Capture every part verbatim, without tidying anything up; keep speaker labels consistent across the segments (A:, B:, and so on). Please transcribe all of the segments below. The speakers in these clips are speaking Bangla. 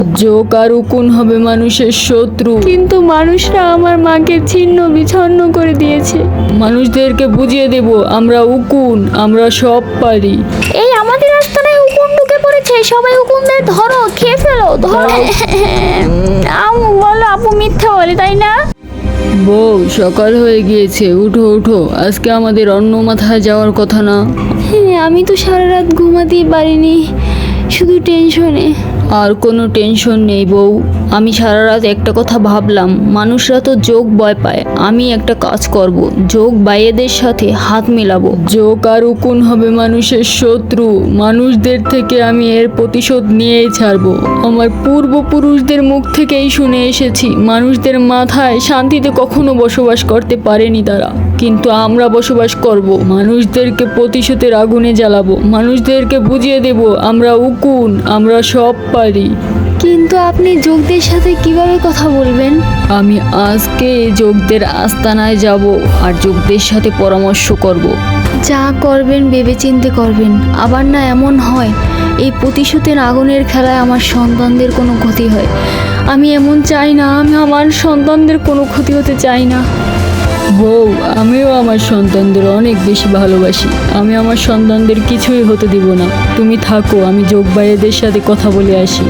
A: যোগ আর উকুন হবে মানুষের শত্রু,
B: কিন্তু মানুষরা আমার মাকে ছিন্ন বিচ্ছিন্ন করে দিয়েছে।
A: মানুষদেরকে বুঝিয়ে দেব আমরা উকুন, আমরা সব পারি।
B: এই আমাদের আস্তানায় উকুন ঢুকে পড়েছে, সবাই উকুনদের ধরো, খেয়ে ফেলো, ধরো। আমু বলো আপু মিথ্যা বলে, তাই না?
A: বউ, সকাল হয়ে গিয়েছে, উঠো উঠো, আজকে আমাদের অন্য মাথায় যাওয়ার কথা না?
B: হ্যাঁ, আমি তো সারা রাত ঘুমাতেই পারিনি, শুধু টেনশনে।
A: আর কোনো টেনশন নেই বউ, আমি সারা রাত একটা কথা ভাবলাম, মানুষরা তো যোগ ভয় পায়, আমি একটা কাজ করব, যোগ বাইয়েদের সাথে হাত মেলাবো। যোগ আর উকুন হবে মানুষের শত্রু, মানুষদের থেকে আমি এর প্রতিশোধ নিয়েই ছাড়বো। আমার পূর্বপুরুষদের মুখ থেকেই শুনে এসেছি, মানুষদের মাথায় শান্তিতে কখনো বসবাস করতে পারেনি তারা, কিন্তু আমরা বসবাস করব, মানুষদেরকে প্রতিশোধের আগুনে জ্বালাবো, মানুষদেরকে বুঝিয়ে দেব আমরা উকুন, আমরা সব পারি।
B: কিন্তু আপনি যোগদের সাথে কিভাবে কথা বলবেন?
A: আমি আজকে যোগদের আস্তানায় যাব আর যোগদের সাথে পরামর্শ করব।
B: যা করবেন ভেবেচিন্তে করবেন, আবার না এমন হয় এই প্রতিশোধের আগুনের খেলায় আমার সন্তানদের কোনো ক্ষতি হয়। আমি এমন চাই না, আমি আমার সন্তানদের কোনো ক্ষতি হতে চাই না।
A: বউ, আমিও আমার সন্তানদের অনেক বেশি ভালোবাসি, আমি আমার সন্তানদের কিছুই হতে দিব না। তুমি থাকো, আমি যোগ ভাইয়েদের সাথে কথা বলে আসি।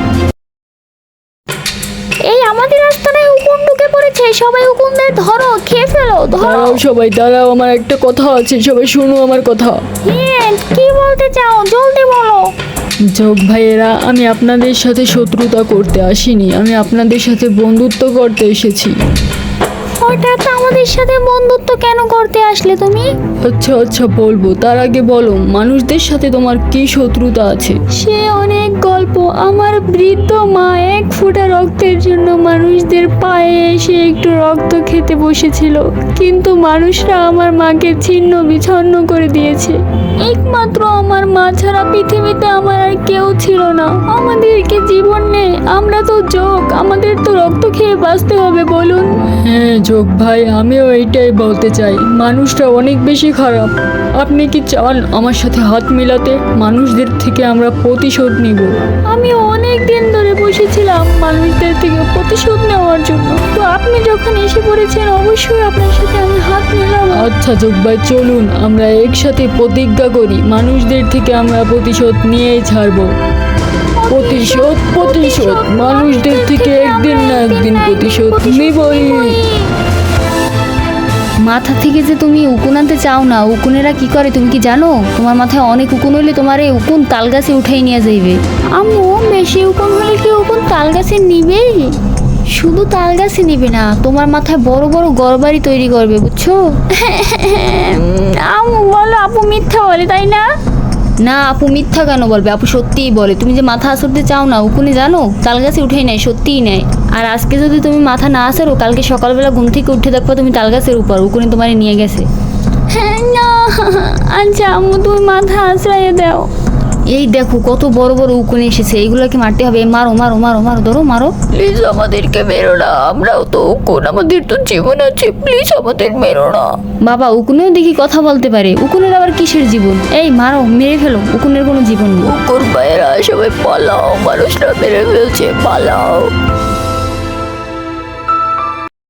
B: এই আমাদের আস্তানায় উকুন ঢুকে পড়েছে, সবাই উকুনদের ধরো, খেয়ে ফেলো, ধরো।
A: দাঁড়াও সবাই, দাঁড়াও, আমার একটা কথা আছে, সবাই শুনো আমার কথা।
B: হ্যাঁ, কি বলতে চাও জলদি বলো।
A: যোগ ভাইয়েরা, আমি আপনাদের সাথে শত্রুতা করতে আসিনি, আমি আপনাদের সাথে বন্ধুত্ব করতে এসেছি।
B: হঠাৎ আমাদের সাথে বন্ধুত্ব কেন করতে আসলে তুমি?
A: আচ্ছা আচ্ছা বলবো, তার আগে বলো মানুষদের সাথে তোমার কি শত্রুতা আছে?
B: সে অনেক গল্প। আমার বৃদ্ধ মা এক ফোঁটা রক্তের জন্য মানুষদের পায়ে এসে একটু রক্ত খেতে বসেছিল, কিন্তু মানুষরা আমার মাকে ছিন্ন বিচ্ছিন্ন করে দিয়েছে। একমাত্র আমার মা ছাড়া পৃথিবীতে আমার আর কেউ ছিল না। আমাদেরকে জীবন নেই, আমরা তো যোগ, আমাদের তো রক্ত খেয়ে বাঁচতে হবে, বলুন।
A: হ্যাঁ যোগ ভাই, আমিও এইটাই বলতে চাই, মানুষটা অনেক বেশি খারাপ। আপনি কি চান আমার সাথে হাত মেলাতে? মানুষদের থেকে আমরা প্রতিশোধ নিব।
B: আমি অনেক দিন ধরে বসেছিলাম মানুষদের থেকে প্রতিশোধ নেওয়ার জন্য, তো আপনি যখন এসে পড়েছেন অবশ্যই আপনার সাথে আমি হাত মেলাবো।
A: আচ্ছা যোগ ভাই, চলুন আমরা একসাথে প্রতিজ্ঞা করি, মানুষদের থেকে আমরা প্রতিশোধ নিয়েই ছাড়বো। প্রতিশোধ প্রতিশোধ মানুষদের থেকে একদিন না একদিন প্রতিশোধ নিবই।
B: মাথা থেকে যে তুমি উকুন আনতে চাও না, উকুনেরা কি করে তুমি কি জানো? তোমার মাথায় অনেক উকুন হইলে তোমার এই উকুন তাল গাছে উঠাই নিয়ে যাইবে। আম্মু, বেশি উকুন হলে কি উকুন তাল গাছে নিবে? শুধু তাল গাছে নিবে না, তোমার মাথায় বড় বড় ঘরবাড়ি তৈরি করবে, বুঝছো? আম্মু বলো আপু মিথ্যা বলে, তাই না? না আপু মিথ্যা কেন বলবে, আপু সত্যিই বলে। তুমি যে মাথা আসরতে চাও না, উকুনে জানো তাল গাছে উঠেই নেয়, সত্যিই নেয়। আর আজকে যদি তুমি মাথা না আসেরো, কালকে সকালবেলা ঘুম থেকে উঠে দেখবা তুমি তাল গাছের উপর, উকুনে তোমার নিয়ে গেছে। না আচ্ছা আম্মু, তুমি মাথা আশ্রয় দাও। এই দেখো কত বড় বড় উকুন এসেছে, এইগুলোকে মারতে হবে। মারো মারো মারো মারো, ধরো মারো।
A: প্লিজ আমাদেরকে মেরো না, আমরাও তো উকুন, আমাদের তো জীবন আছে, প্লিজ আমাদের মেরো না।
B: বাবা, উকুনেও দেখি কথা বলতে পারে, উকুনের আবার কিসের জীবন? এই মারো, মেরে ফেলো, উকুনের কোনো জীবন নেই।
A: উকুন ভাইয়েরা সবাই পালাও, মানুষরা মেরে ফেলছে, পালাও।